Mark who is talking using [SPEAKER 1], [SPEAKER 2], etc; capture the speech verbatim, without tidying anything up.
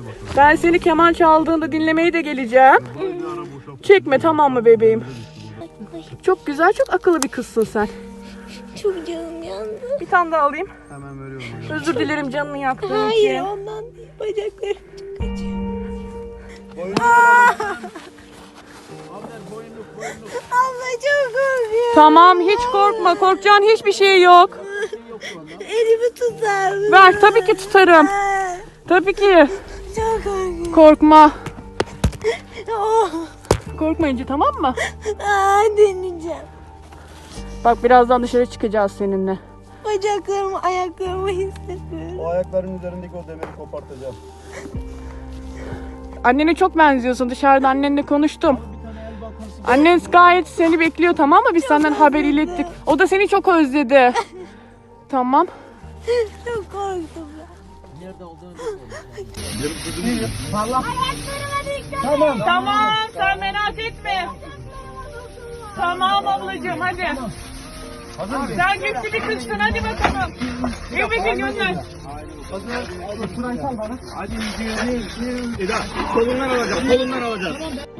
[SPEAKER 1] Ben seni keman çaldığında dinlemeye de geleceğim. Çekme, tamam mı bebeğim? Çok güzel, çok akıllı bir kızsın sen.
[SPEAKER 2] Çok canım yandı.
[SPEAKER 1] Bir tane daha alayım.
[SPEAKER 3] Hemen veriyorum.
[SPEAKER 1] Özür dilerim canını yaktığım için.
[SPEAKER 2] Hayır, ondan değil. Bacaklarım çok acıyor. Abla çok korkuyorum.
[SPEAKER 1] Tamam, hiç korkma. Korkacağın hiçbir şey yok.
[SPEAKER 2] Elimi tutar mısın?
[SPEAKER 1] Ver, tabii ki tutarım.
[SPEAKER 2] Aa,
[SPEAKER 1] Tabii ki.
[SPEAKER 2] çok korkuyorum.
[SPEAKER 1] Korkma.
[SPEAKER 2] Oh.
[SPEAKER 1] Korkmayınca, tamam mı?
[SPEAKER 2] Aa, deneyeceğim.
[SPEAKER 1] Bak, birazdan dışarı çıkacağız seninle.
[SPEAKER 2] Bacaklarımı, ayaklarımı hissediyorum.
[SPEAKER 3] O ayakların üzerindeki o demiri kopartacağım.
[SPEAKER 1] Annene çok benziyorsun. Dışarıda annenle konuştum. Annen gayet seni bekliyor, tamam mı? Biz senden haber ilettik. O da seni çok özledi. Tamam.
[SPEAKER 2] Çok korktum ben.
[SPEAKER 1] Tamam. Tamam, sen merak etme. Tamam ablacığım, hadi. Sen güçlü bir kızsın, hadi bakalım. Evimize gönder.
[SPEAKER 3] Hadi gidiyor. Eda, kolundan alacağım, kolundan alacağım.